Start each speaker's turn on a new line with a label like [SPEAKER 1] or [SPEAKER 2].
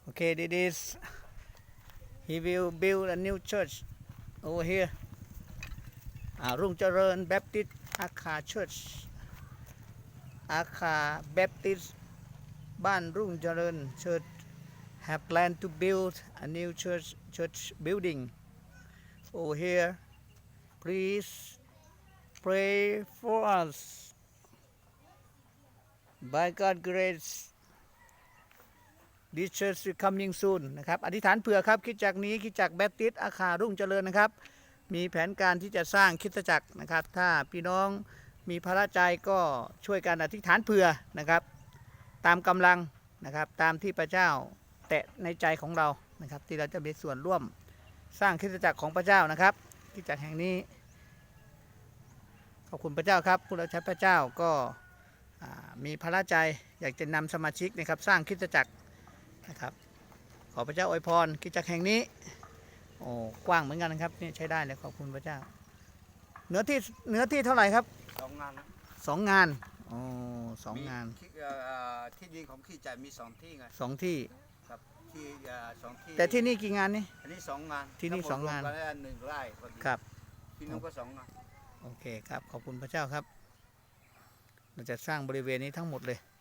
[SPEAKER 1] Okay, this is he will build a new church over here. Rung Charan Baptist Akha Church. Akha Baptist Ban Rung Charan Church have planned to build a new church building over here. Please pray for us. By God's grace, this church is coming soon นะครับอธิษฐานเผื่อครับคริสตจักรนี้คริสตจักรแบปติสต์อาคารุ่งเจริญนะครับมีแผนการที่จะสร้างคริสตจักรนะครับถ้าพี่น้องมีพระใจก็ช่วยกันอธิษฐานเผื่อนะครับตามกำลังนะครับตามที่พระเจ้าแตะในใจของเรานะครับที่เราจะมีส่วนร่วมสร้างคริสตจักรของพระเจ้านะครับคริสตจักรแห่งนี้ขอบคุณพระเจ้าครับผู้รับใช้พระเจ้าก็มีพระใจอยากจะนำสมาชิกนะครับสร้างคริสตจักรนะครับขอพระเจ้าอวยพรคริสตจักรแห่งนี้โอ้กว้างเหมือนกันนะครับนี่ใช้ได้เลยขอบคุณพระเจ้าเนื้อที่เท่าไหร่ครับ
[SPEAKER 2] 2 งาน
[SPEAKER 1] 2 งานโอ้2 งาน
[SPEAKER 2] ที่ดินของขี้จ่ายมี2 ที่ไง
[SPEAKER 1] 2 ที่
[SPEAKER 2] ครับที่2 ที่
[SPEAKER 1] แต่ที่นี่กี่งานนี่
[SPEAKER 2] อันนี้2 งาน
[SPEAKER 1] ที่นี่2 งาน
[SPEAKER 2] 1 ไร่
[SPEAKER 1] ครับ
[SPEAKER 2] ที่นู้นก็2 งาน
[SPEAKER 1] โอเคครับขอบคุณพระเจ้าครับเราจะสร้างบริเวณนี้ทั้งหมดเลย